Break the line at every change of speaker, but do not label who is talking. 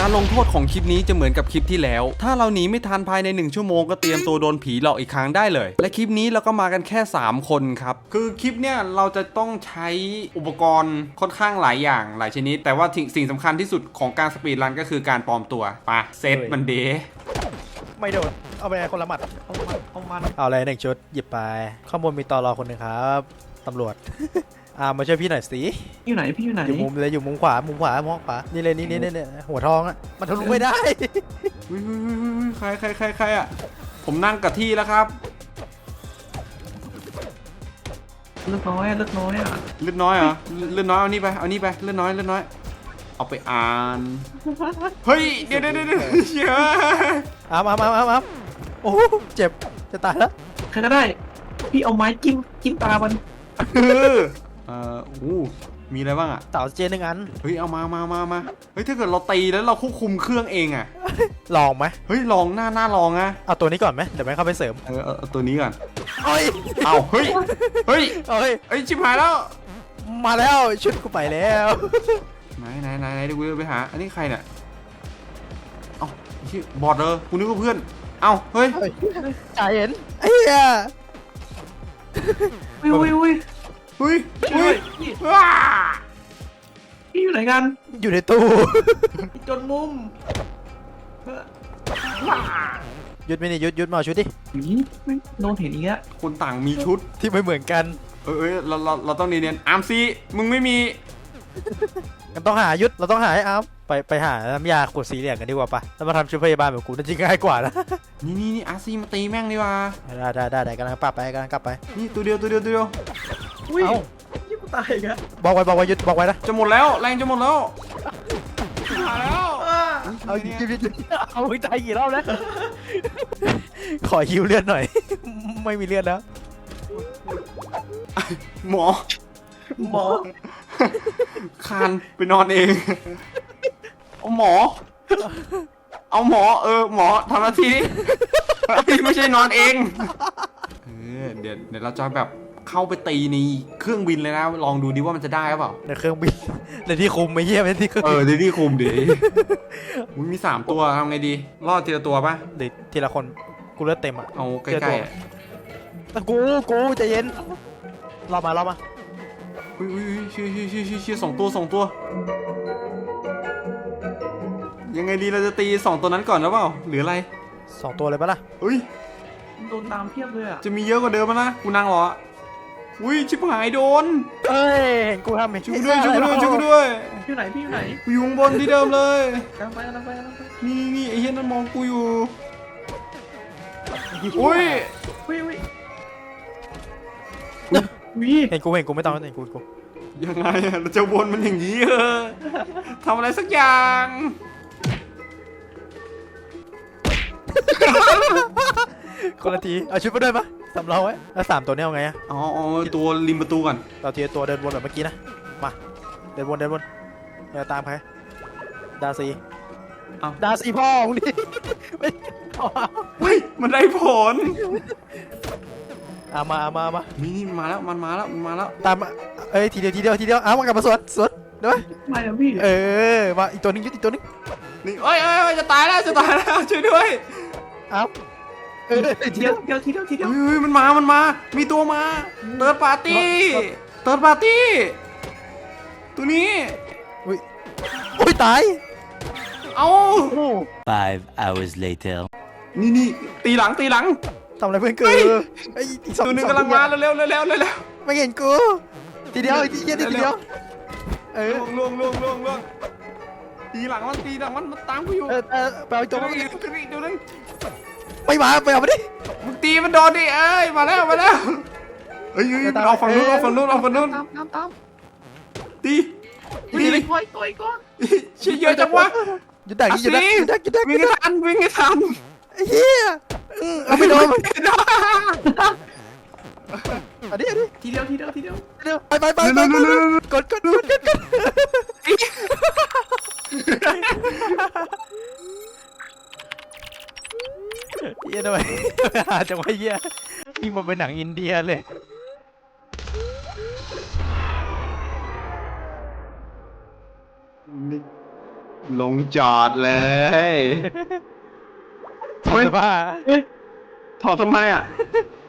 การลงโทษของคลิปนี้จะเหมือนกับคลิปที่แล้วถ้าเราหนีไม่ทันภายใน1ชั่วโมงก็เตรียมตัวโดนผีหลอกอีกครั้งได้เลยและคลิปนี้เราก็มากันแค่3คนครับคือคลิปเนี้ยเราจะต้องใช้อุปกรณ์ค่อนข้างหลายอย่างหลายชนิดแต่ว่าสิ่งสำคัญที่สุดของการสปีดรันก็คือการปลอมตัวไปเซตมันเดย์
ไม่โดนเอาไปคนละหมัดเอาอะไร1 ชุดหยิบไปข้างบนมีตล.คนหนึ่งครับตำรวจมาช่วยพี่หน่อยสิ
อยู่ไหนพี่อยู่ไหน
อยู่มุมเลยอยู่มุมขวามองขวานี่เลยนี่หัวทองอ่ะมันทะลุไม่ได้
ใครอ่ะผมนั่งกับที่แล้วครับ
เลือดน้อยอ่ะเลือดน้อย
เอานี่ไปเลือดน้อยเอาไปอ่านเฮ้ยเดี๋ยว
มาโอ้เจ็บจะตายแล้ว
ใครก็ได้พี่เอาไม้จิ้มตามัน
มีอะไรบ้างอ่ะ
เต่าเจน1 อัน
เฮ้ยเอามาเฮ้ยถ้าเกิดเราตีแล้วเราควบคุมเครื่องเองอ่ะ
ลองไหม
เฮ้ยลองหน้าลองอ่ะ
เอาตัวนี้ก่อนไหมเดี๋ยวไม่เข้าไปเสริม
เอาตัวนี้ก่อน
เอา
เฮ้ยชิบหายแล้ว
มาแล้วชุดกูไปแล้ว
ไหนดูกูไปหาอันนี้ใครเนี่ยเอาชื่อบอดเลยกูนึกว่าเพื่อนเอาเฮ้ย
จ่าเห็นไอ้เหี้ย
อุ้ยพี่อยู่ไหนกัน
อยู่ในตู้
จนมุม
ยุดไม่นี่ยุดมาชุดดิ
ไม่โดนเห็นอีกแล้ว
คนต่างมีชุด
ที่ไม่เหมือนกัน
เราต้องเนียนอาร์มซีมึงไม่มี
กันต้องหายุดเราต้องหาให้อาร์มไปหาน้ำยาขวดสีเหลืองกันดีกว่าปะแล้วมาทำชุดพยาบาลแบบกูน่าจะง่ายกว่านะ
นี่อาร์ซีมาตีแม่งดีกว่า
ได้กำลังกลับไป
นี่ตัวเดียว
อุ้ยยิ่งกูตายอีกอะ
บอกไว้ยุดบอกไว้นะ
จะหมดแล้วแรงจะหมดแล้วมาแล้ว
เอายิงเอาตายกี่รอบแล้วขอฮิวเลือดหน่อยไม่มีเลือดแล้ว
หมอคานไปนอนเองเอาหมอหมอทำหน้าที่ไม่ใช่นอนเองเดี๋ยวเราจะแบบเข้าไปตีในเครื่องบินเลยนะลองดูดิว่ามันจะได้หรือเปล่า
ในเครื่องบินในที่คุมไม่เยี่ยมในที่เครื่อง
ในที่คุมดิมึงมี3ตัวทำไงดีรอดทีละตัวปะ
เดี๋ยวทีละคนกูเลือดเต็มอ่ะ
เอาใกล้
ๆกูใจเย็นรอมา
เชี่ย2 ตัวยังไงดีเราจะตี2 ตัวนั้นก่อนหรือเปล่าหรืออะไร
2 ตัวเลยปะล่ะ
โดนตามเพียบเลยอ่ะ
จะมีเยอะกว่าเดิมมั้ยนะกูนั่งรอชิบหายโดน
เห็นกูทำเห็น
ช่วยด้วย
พี่ไหน
กูอยู่ข้างบนที่เดิมเลย
กำลังไป
นี่ไอ้เหี้ยนั่นมองกูอยู่
เห็นกูไม่ต้องเห็นกู
ยังไงเราจะวนมันอย่างนี้ทำอะไรสักอย่าง
คนละทีเอาชุดไปด้วยปะสำรองไว้แล้ว3 ตัวนี้เอาไงอะ
ตัวริมประตูก่อน
เราทีตัวเดินวนแบบเมื่อกี้นะมาเดินวนเราตามใครดาซีพ่อมึงดิ
มันได้ผล
มา
นี่มาแล้วมันมาแล้ว
ตามทีเดียวเอามากลับมาสวนได้ไหม
ไม่แล้วพี่
มาอีกตัวนึงอีกตัวนึง
นี่จะตายแล้วช่วยด้วย
ทีเดียว
มันมามีตัวมาเติร์ดปาร์ตี้ตัวนี้
อุ้ยตาย
5 hours later
นี่ตีหลัง
ทำอะไรเพื่อนกู
ตัวนึงกำลังมาเร็ว
ไม่เห็นกูทีเดียว
ล่วงตีหลังมันตามกูอยู่
ไปเอาตัวนึง
ไม่
มาไปเอาไปดิ
มึงตีมันโดนดิมาแล้วเอาฝั่งนู้น
ตาม
ตี
เลยต่อยก่อน
เชี่ยเยอะจังวะ
ยุดดัก
วิ่งให้ทัน
เฮียเอาไปโดนอันนี้
ทีเดียว
ไปกดเฮียทำไมจังหวะเฮียยิ่งมาเป็นหนังอินเดียเลย
ลงจอดเลยเฮ้ย
สภาพ
ถอดทำไมอ่ะ